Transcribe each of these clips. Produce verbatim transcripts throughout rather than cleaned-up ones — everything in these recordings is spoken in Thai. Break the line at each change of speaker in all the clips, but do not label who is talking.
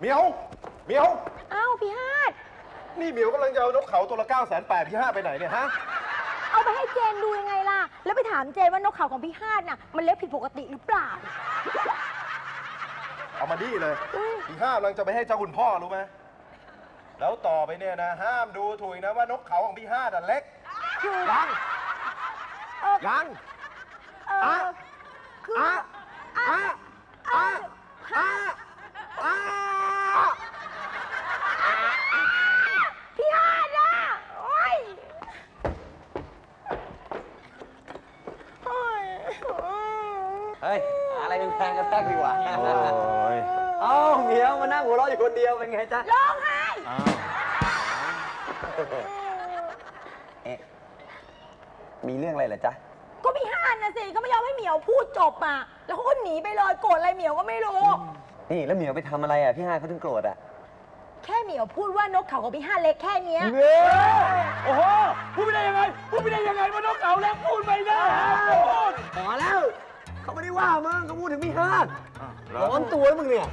เหมียวเหมียว
อ้าวพี่ฮาด
นี่เหมียวกำลังจะเอานกเขาตัวละเก้าแสนแปดพี่ฮาดไปไหนเนี่ยฮะ
เอาไปให้เจนดูยังไงล่ะแล้วไปถามเจนว่านกเขาของพี่ฮาดน่ะมันเล็กผิดปกติหรือเปล่า
เอามาดีเลยพี่ฮาดกำลังจะไปให้เจ้าคุณพ่อรู้ไหมแล้วต่อไปเนี่ยนะห้ามดูถูกนะว่านกเขาของพี่ฮาดเล็กยังยังอ่ะ
คือ
อ่ะอ่ะอ่ะอ่ะอ่ะ
พี่ฮาดอ่ะโอ้ยโอ้ย
เฮ้ยอะไรเป็นแพงกันแทกดีกว่า
โอ้ย
เอ้าเหมียวมานั่งหัวเราะอยู่คนเดียวเป็นไงจ๊ะ
ร้องไห้
เอ๊ะมีเรื่องอะไรเหรอจ๊ะ
ก็พี่ฮาดนะสิก็ไม่ยอมให้เหมียวพูดจบอ่ะแล้วเขาก็หนีไปเลยโกรธอะไรเหมียวก็ไม่รู้
นี่แล้วเหมียวไปทำอะไรอ่ะพี่ฮาเขาถึงโกรธอ่ะ
แค่เหมียวพูดว่านกเขาของพี่ฮาดเล็กแค่เนี้ย
โอ้โหพูดไม่ได้ยังไงพูดไม่ได้ยังไงว่านกเขาเล็กพูดไม่ได้พูด
พอแล้วเขาไม่ได้ว่ามึงเขาพูดถึงพี่ฮาดร้อนตัวมึงเนี่ย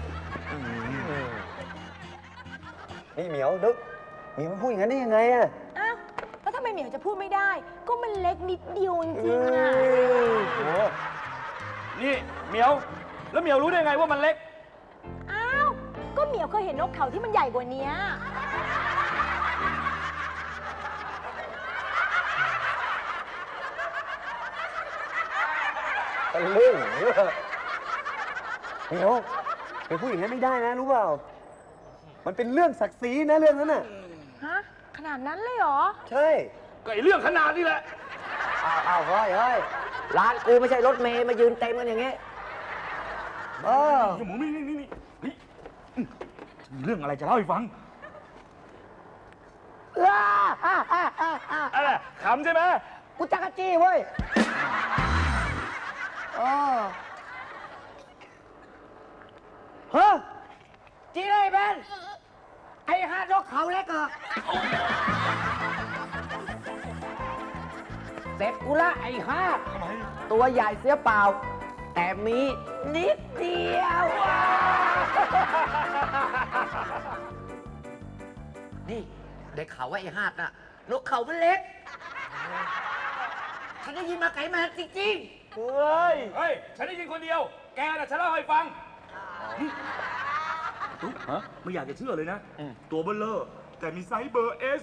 นี่เหมียวนึกเหมียวพูดอย่างนั้นได้ยังไงอ่ะ
อ้าวแล้วทำไมเหมียวจะพูดไม่ได้ก็มันเล็กนิดเดียวจริงๆอ่ะ
นี่เหมียวแล้วเหมียวรู้ได้ไงว่ามันเล็ก
อ้าวก็เหมียวเคยเห็นนกเขาที่มันใหญ่กว่านี้
ตะลึงเหมียวไปพูดอย่างนั้นไม่ได้นะรู้เปล่ามันเป็นเรื่องศักดิ์ศรีนะเรื่องนั้นน่ะ
ฮะขนาดนั้นเลยเหรอ
ใช่
ก็ไอเรื่องขนาดนี้แหละ
อ้าวอ้าวเฮ้ยเฮ้ยร้านกูไม่ใช่รถเมย์มายืนเต็มกันอย่างเงี้ยเออ
หมูนี่นี่นี่นี่มีเรื่องอะไรจะเล่าให้ฟังอะไรขำใช่ไหม
กูจักรจี้เว้ยเออเฮ้ยจี้เลยเบนไอ้ฮาดนกเขาเล็กเหรอเสร็จกูละไอ้ฮาดตัวใหญ่เสียเปล่าแต่มีนิดเดียวนี่ได้ข่าวว่าไอ้ฮาดน่ะนกเขามันเล็กฉันได้ยินมาไกลมาจริงๆ
เฮ้ยเฮ้ยฉันได้ยินคนเดียวแกน่ะฉันเล่าให้ฟังตุ๊กฮะไม่อยากจะเชื่อเลยนะตัวเบลเลอร์แต่มีไซส์เบอร์เอส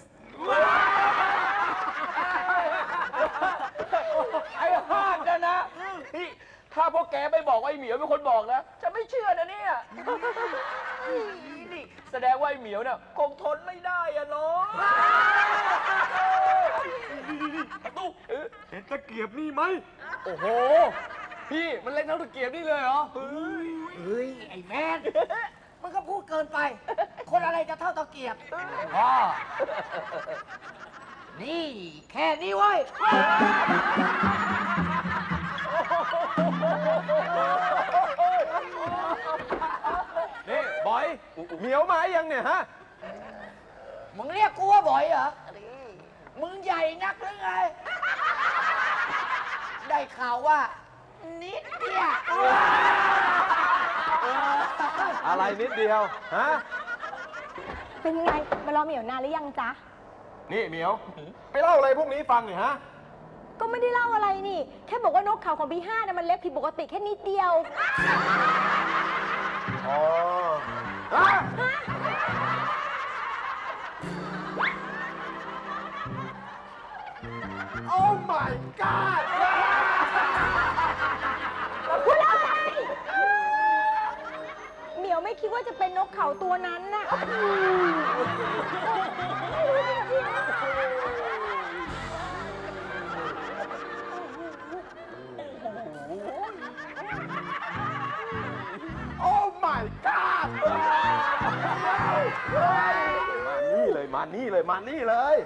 ไอ้ฮาดนะนะนี่ถ้าพวกแกไม่บอกว่าไอ้เหมียวเป็นคนบอกนะจะไม่เชื่อนะเนี่ยนี่แสดงว่าไอ้เหมียวเนี่ยคงทนไม่ได้อะเนาะตุ๊กเห็นตะเกียบนี่ไหมโอ้โหพี่มันเล่นเท่าตะเกียบนี่เลยเหรอเ
ฮ้ยไอ้แมนมันก็พูดเกินไปคนอะไรจะเท่าตะเกียบพ่อนี่แค่นี้เว้ย
นี่บอยเหมียวมายังเนี่ยฮะ
มึงเรียกกูว่าบอยเหรอมึงใหญ่นักหรือไงได้ข่าวว่านิดเดียว
อะไรนิดเดียวฮะ
เป็นไงมารอเหมียวนานหรือยังจ๊ะ
นี่เหมียวไปเล่าอะไรพวกนี้ฟังหน่อยฮะ
ก็ไม่ได้เล่าอะไรนี่แค่บอกว่านกเขาของพี่ห้านะมันเล็กผิดปกติแค่นิดเดียว
อ๋อฮะโอ้ my god
คุณเล่าไงเหมียวไม่คิดว่าจะเป็นนกเขาตัวนั้นน่ะ
โอ้ my god มานี่เลยมานี่เลยมานี่เลย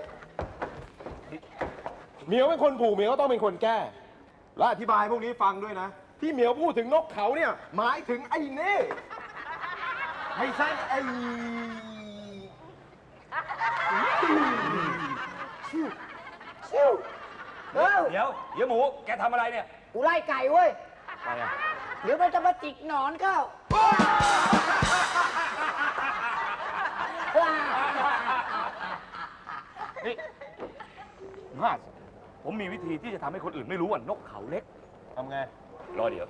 เหมียวเป็นคนผูกเหมียวก็ต้องเป็นคนแก้และอธิบายพวกนี้ฟังด้วยนะที่เหมียวพูดถึงนกเขาเนี่ยหมายถึงไอ้เน่ไม่ใช่ไอ้ชิวชิว
เดี๋ยวเดี๋ยวหมูแกทำอะไรเนี่ย
กูไล่ไก่เว้ย
อะไรอ่ะ
เดี๋ยวมันจะมาจิกหนอนเข้า
นี่ห้าผมมีวิธีที่จะทำให้คนอื่นไม่รู้ว่านกเขาเล็ก
ทำไง
รอเดี๋ยว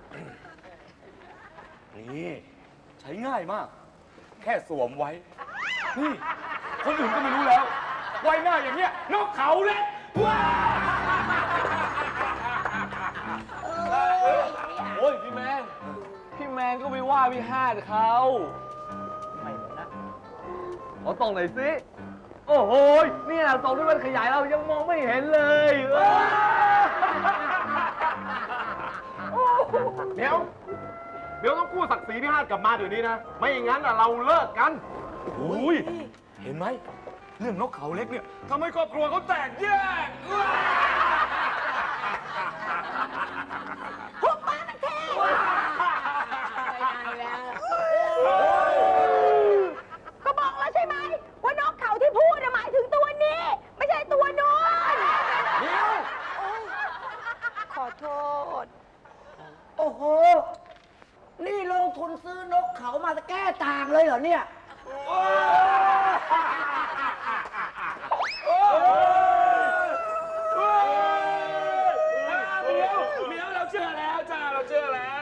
นี่ ใช้ง่ายมาก แค่สวมไว้ นี่ คนอื่นก็ไม่รู้แล้ว ไว้หน้าอย่างเงี้ย นกเขาเล็กว้าโอ้ย พี่แมน พี่แมนก็ไปว่าพี่ฮาดเขาไม่นะขอส่องหน่อยสิ โอ้โหเนี่ยส่องด้วยมันขยายเรายังมองไม่เห็นเลยว้า
เดี๋ยว เดี๋ยวต้องกู้ศักดิ์ศรีพี่ฮาดกลับมาเดี๋ยวนี้นะ ไม่อย่างนั้นอ่ะเราเลิกกัน
โอ้ย เห็นไหม เรื่องนกเขาเล็กเนี่ยทำให้ครอบครัวเขาแตกแยก
หุบปากมันเทก็บอกแล้วใช่ไหมว่านกเขาที่พูดน่ะหมายถึงตัวนี้ ไม่ใช่ตัวโน้น
เดี๋ยว
ขอโทษ
โอ้โห นี่ลงทุนซื้อนกเขามาจะแก้ต่างเลยเหรอเนี่ย
เดี๋ยวเดี๋ยวเราเชื่อแล้วจ้าเราเชื่อแล้ว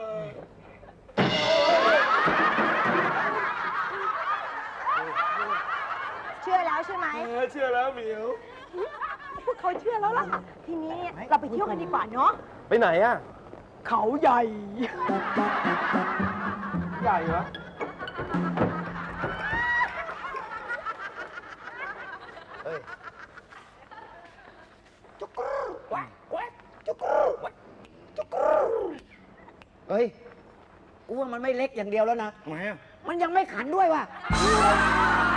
เชื่อแล้วใช่ไหม
เออเชื่อแล้วเหมียว
พวกเขาเชื่อแล้วล่ะ ทีนี้เราไปเที่ยวกันดีกว่าเนาะ
ไปไหนอ่ะ
เขาใหญ่
ใหญ่เหรอ เฮ้ย
เฮ้ย กูว่ามันไม่เล็กอย่างเดียวแล้วนะ
ทำไมอ่ะ
มันยังไม่ขันด้วยว่ะ